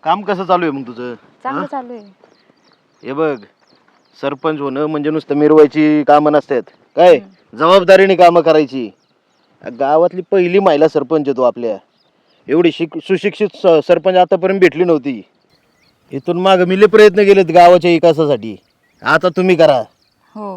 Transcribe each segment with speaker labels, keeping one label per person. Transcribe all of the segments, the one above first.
Speaker 1: काम कसं चालू आहे मग तुझं?
Speaker 2: चांगलं चालू आहे.
Speaker 1: हे बघ, सरपंच होणं म्हणजे नुसतं मिरवायची कामं नसतात काय, जबाबदारीने कामं करायची. गावातली पहिली महिला सरपंच आहे तू आपल्या. एवढी सुशिक्षित सरपंच आतापर्यंत भेटली नव्हती. इथून माग मी लय प्रयत्न केलेत गावाच्या विकासासाठी. आता तुम्ही करा.
Speaker 2: हो.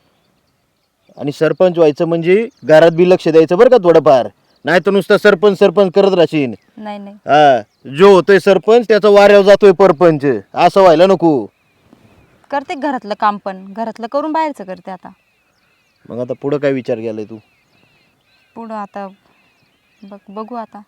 Speaker 1: आणि सरपंच व्हायचं म्हणजे घरात बी लक्ष द्यायचं बरं का थोडंफार. नाही तर नुसतं सरपंच सरपंच करत राहशील.
Speaker 2: नाही नाही
Speaker 1: हा, जो होतोय सरपंच त्याचा वाऱ्यावर जातोय परपंच, असं व्हायला नको.
Speaker 2: करते घरातलं काम, पण घरातलं करून बाहेरचं करते आता.
Speaker 1: मग आता पुढं काय विचार केलाय तू?
Speaker 2: पुढं आता बघू आता.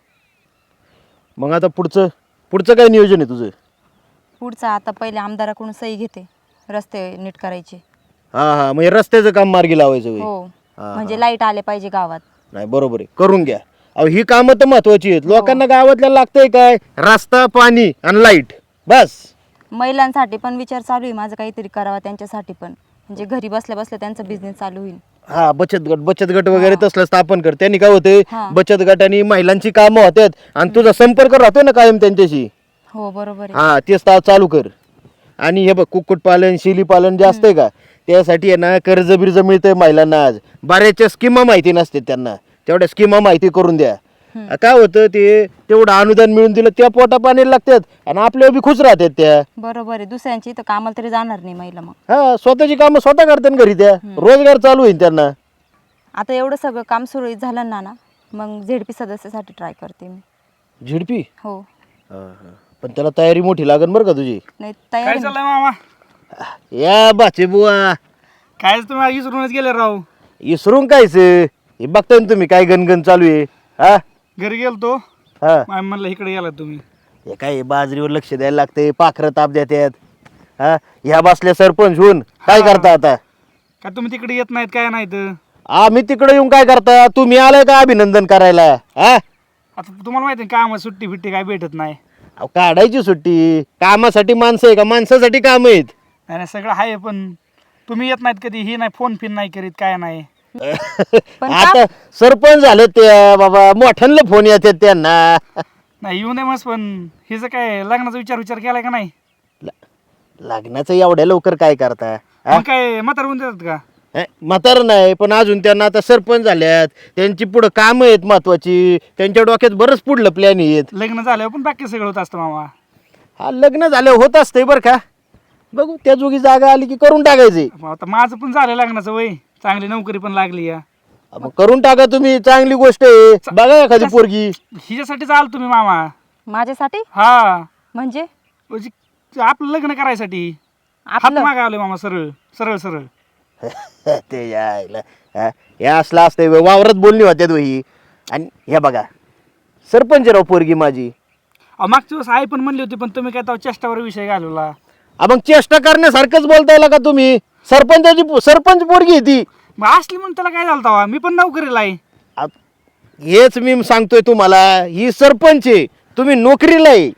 Speaker 1: मग आता पुढचं पुढचं काय नियोजन आहे तुझं?
Speaker 2: पुढचं आता पहिले आमदाराकडून सही घेते, रस्ते नीट करायचे.
Speaker 1: हा हा, म्हणजे रस्त्याचं काम मार्गी लावायचं होय.
Speaker 2: हो,
Speaker 1: हा,
Speaker 2: म्हणजे लाईट आले पाहिजे गावात.
Speaker 1: नाही बरोबर आहे, करून घ्या. अहो ही कामं तर महत्वाची आहेत. लोकांना गावातल्या लागतंय काय? रस्ता, पाणी आणि लाईट, बस.
Speaker 2: महिलांसाठी पण विचार चालू आहे माझं, काहीतरी करावा त्यांच्यासाठी पण, म्हणजे घरी बसल्या बसल्या त्यांचा बिझनेस चालू होईल.
Speaker 1: हा, बचत गट वगैरे तसलं स्थापन कर. त्यांनी काय होते, बचत गटाने महिलांची कामं होतात आणि तुझा संपर्क राहतोय ना कायम त्यांच्याशी.
Speaker 2: हो बरोबर आहे.
Speaker 1: हा, तेच चालू कर. आणि हे बघ, कुक्कुटपालन, शेळीपालन जे असतंय का, त्यासाठी आहे ना कर्ज बिर्ज मिळतंय महिलांना. आज बऱ्याचशा स्कीमा माहिती नसते त्यांना, तेवढ्या स्कीमा माहिती करून द्या. काय होतं, ते तेवढं अनुदान मिळून दिलं त्या पोटा पाणी लागतात आणि आपल्या बी खुश राहतात त्या.
Speaker 2: बरोबर आहे. दुसऱ्यांची तर कामाला तरी जाणार नाही महिला. मग
Speaker 1: हा, स्वतःची कामं स्वतः करतात घरी, त्या रोजगार चालू होईल त्यांना.
Speaker 2: आता एवढं सगळं काम सुरळीत झालं ना, मग झेडपी सदस्यासाठी ट्राय करते मी.
Speaker 1: झेडपी?
Speaker 2: हो.
Speaker 1: पण त्याला तयारी मोठी लागन बरं का तुझी.
Speaker 2: नाही
Speaker 3: काय
Speaker 2: तयार.
Speaker 3: चाललंय मामा?
Speaker 1: या बाचे बुवा,
Speaker 3: काय तुम्ही विसरूनच गेले राव.
Speaker 1: इसरून कायच हे बघताय ना तुम्ही काय गणगण चालू आहे. हा
Speaker 3: घरी गेलतो,
Speaker 1: हा,
Speaker 3: मामी म्हणलं इकडे गेला तुम्ही.
Speaker 1: हे काय बाजरीवर लक्ष द्यायला लागते, पाखरं ताप देतात. हा, ह्या बसल्या सरपंच होऊन काय करता आता?
Speaker 3: काय तुम्ही तिकडे येत नाहीत काय नाहीत?
Speaker 1: आम्ही तिकडे येऊन काय करता? तुम्ही आलाय का अभिनंदन करायला? हा,
Speaker 3: आता तुम्हाला माहिती आहे काम सुट्टी फिट्टी काय भेटत नाही.
Speaker 1: अहो, काढायची सुट्टी. कामासाठी माणसं आहे का? माणसासाठी काम आहेत.
Speaker 3: नाही नाही, सगळं आहे, पण तुम्ही येत नाहीत कधी. ही नाही, फोन फिन नाही करीत, काय नाही.
Speaker 2: पण
Speaker 1: आता सरपंच झाले ते बाबा, मोठ्यांना फोन येतात त्यांना.
Speaker 3: नाही येऊ नये मस्त, पण हिचं काय लग्नाचा विचार केलाय का नाही?
Speaker 1: लग्नाचं एवढ्या लवकर काय करता? हा?
Speaker 3: मग काय म्हातार होऊन देतात का?
Speaker 1: म्हातार नाही, पण अजून त्यांना आता सरपंच झाल्यात, त्यांची पुढं कामं आहेत महत्वाची. त्यांच्या डोक्यात बरंच पुढलं प्लॅन आहेत.
Speaker 3: लग्न झाल्यावर पण बाकी सगळं होत असतं मामा.
Speaker 1: हा, लग्न झालं होत असतंय बरं का. बघू त्या जोगी जागा आली की करून टाकायचे.
Speaker 3: मग आता माझं पण झालं लग्नाचं वय, चांगली नोकरी पण लागली या.
Speaker 1: मग करून टाका तुम्ही, चांगली गोष्ट आहे. बघा एखादी पोरगी.
Speaker 3: हिच्यासाठीच आलो तुम्ही मामा.
Speaker 2: माझ्यासाठी
Speaker 3: हा,
Speaker 2: म्हणजे
Speaker 3: म्हणजे आपलं लग्न करायसाठी हात
Speaker 2: आपलं
Speaker 3: मागावले मामा, सरळ सरळ सरळ.
Speaker 1: ते यायला हे असलं असतंय व्हय, वावरात बोलणी होत्यात ही. आणि हे बघा, सरपंच राव पोरगी माझी.
Speaker 3: मागच्या दिवस आई पण म्हणली होती, पण तुम्ही काय तेव्हा चेष्टावर विषय घालवला.
Speaker 1: मग चेष्टा करण्यासारखंच बोलताय का तुम्ही? सरपंच पोरगी आहे ती.
Speaker 3: मग असली म्हणून त्याला काय झालं तेव्हा? मी पण नोकरीला आहे.
Speaker 1: हेच मी सांगतोय तुम्हाला, ही सरपंच आहे, तुम्ही नोकरीला आहे.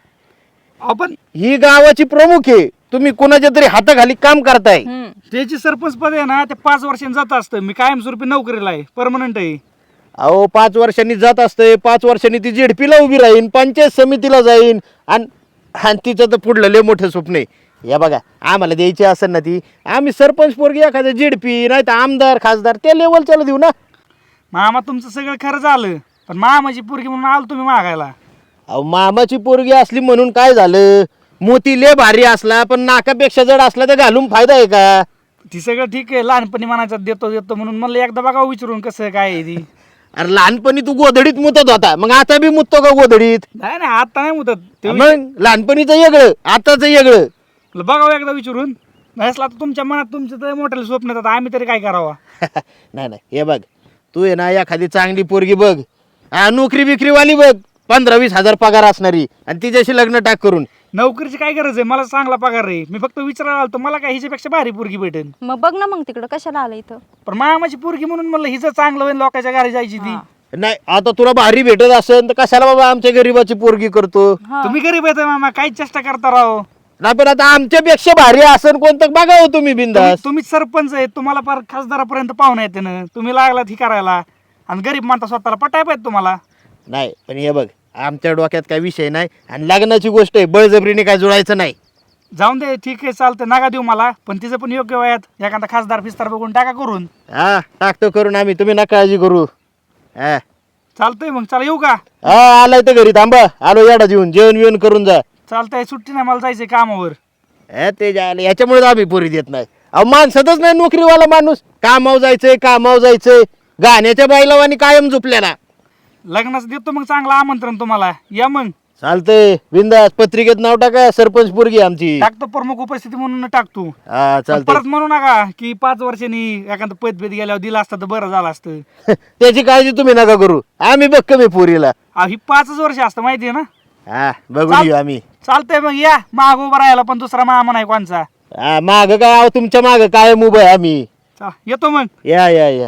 Speaker 3: पण
Speaker 1: ही गावाची प्रमुख आहे, तुम्ही कोणाच्या तरी हाताखाली काम करताय.
Speaker 3: त्याची सरपंच पद आहे ना, ते 5 वर्षांनी जात असतं. मी कायमस्वरूपी नोकरीला आहे, परमनंट आहे.
Speaker 1: अहो 5 वर्षांनी जात असते, 5 वर्षांनी ती जेडपीला उभी राहीन, पंचायत समितीला जाईन. आणि तिचं तर पुढलं लय मोठं स्वप्न आहे. या बघा, आम्हाला द्यायची असेल ना ती, आम्ही सरपंच पोरगी एखाद्या जेडपी नाही तर आमदार खासदार त्या लेवलच्याला देऊ ना.
Speaker 3: मामा तुमचं सगळं खरं झालं, पण मामाची पोरगी म्हणून आलो तुम्ही मागायला.
Speaker 1: अहो मामाची पोरगी असली म्हणून काय झालं? मोती लय भारी असला पण नाकापेक्षा जड असला तर घालून फायदा आहे का?
Speaker 3: ती सगळं ठीक आहे, लहानपणी म्हणायचं देतो देतो म्हणून म्हणलं एकदा बघा विचारून कसं काय आहे ती.
Speaker 1: अरे लहानपणी तू गोधडीत मुतत होता, मग आता बी मुततो का गोधडीत?
Speaker 3: नाही नाही, आता नाही मुदत ते.
Speaker 1: मग लहानपणीचं वेगळं, आताचं वेगळं.
Speaker 3: बघावं एकदा विचारून. नाही असलं आता तुमच्या मनात तुमचं तर मोठ्याला स्वप्न येतात, आम्ही तरी काय करावं?
Speaker 1: नाही नाही, हे बघ, तू आहे ना एखादी चांगली पोरगी बघ, नोकरी बिक्रीवाली बघ, 15-20 हजार पगार असणारी, आणि तिच्याशी लग्न टाक करून.
Speaker 3: नोकरीची काय गरज आहे? मला चांगला पगार आहे. मी फक्त विचारायला आलो मला काय हिच्यापेक्षा भारी पोरगी भेटेल.
Speaker 2: मग बघ ना, मग तिकडं कशाला आलं इथं?
Speaker 3: पण मामाची पोरगी म्हणून म्हणलं हिचं चांगलं होईल, लोकांच्या घरी जायची ती.
Speaker 1: नाही, आता तुला भारी भेटत असेल तर कशाला बाबा आमच्या गरीबाची पोरगी करतो?
Speaker 3: तुम्ही गरीब येत मामा, काही चेष्टा करता राव.
Speaker 1: नाही, पण आता आमच्यापेक्षा भारी असेल कोणतं बघावं तुम्ही बिंदास.
Speaker 3: तुम्ही सरपंच आहे, तुम्हाला फार खासदारापर्यंत पाहुणे येते ना, तुम्ही लागलात ही करायला आणि गरीब मानता स्वतःला पटाय पाहिजे तुम्हाला.
Speaker 1: नाही, पण हे बघ, आमच्या डोक्यात काय विषय नाही आणि लग्नाची गोष्ट आहे, बळजबरीने काय जुळायचं नाही.
Speaker 3: जाऊन दे, ठीक आहे चालतं, नका देऊ मला, पण तिचं पण योग्य वयात एखादा खासदार फिस्तार बघून टाका करून.
Speaker 1: हा टाकतो करून आम्ही, तुम्ही नका काळजी करू. हा
Speaker 3: चालतंय मग, चला येऊ का?
Speaker 1: हा आलाय तर घरी थांबा, आलो याडा जेवून जेवण बिवण करून जा.
Speaker 3: चालतंय, सुट्टी नाही, मला जायचंय कामावर.
Speaker 1: ते जायला याच्यामुळे आम्ही पोरी देत नाही. अहो माणसातच नाही नोकरीवाला माणूस, कामावर जायचंय, गाण्याच्या बाईलावानी कायम झोपल्याला.
Speaker 3: लग्नाचं देतो मग चांगलं आमंत्रण तुम्हाला, या मग.
Speaker 1: चालतंय बिंदास, पत्रिकेत नाव टाका, सरपंच पोरगी आमची.
Speaker 3: टाकतो, प्रमुख उपस्थिती म्हणून टाकतो.
Speaker 1: हा चालतंय.
Speaker 3: परत म्हणू नका की 5 वर्षांनी एखादं पद गेल्यावर दिलं असतं तर बरं झालं असतं.
Speaker 1: त्याची काळजी तुम्ही नका करू, आम्ही बघ कमी पोरीला.
Speaker 3: ही 5 वर्ष असतं माहिती आहे ना.
Speaker 1: हा बघून घेऊ आम्ही.
Speaker 3: चालतंय मग, या माग उभं राहायला, पण दुसरा मामा नाही कोणचा.
Speaker 1: हा माग काय, अहो तुमच्या माग काय उभं आहे आम्ही.
Speaker 3: येतो मग.
Speaker 1: या या या.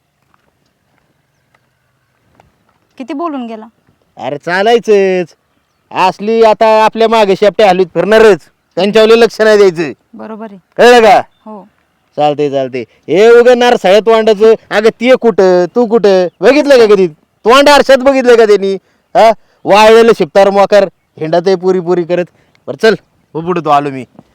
Speaker 2: किती बोलून गेला.
Speaker 1: अरे चालायचंच, असली आता आपल्या मागे शेपट्या हलवीत फिरणारच, त्यांच्यावर लक्ष नाही द्यायचं.
Speaker 2: बरोबर आहे.
Speaker 1: कळलं का?
Speaker 2: हो.
Speaker 1: चालते हे उगणार सळ्यात वांडाचं. अगं ते कुठं तू कुठं बघितलं का कधी? तोंड आरशात बघितलं का त्यांनी? हा वाळलेलं शिपतार मोकार हिंडात पुरी करत. बरं चल, हो पुढे तो आलो मी.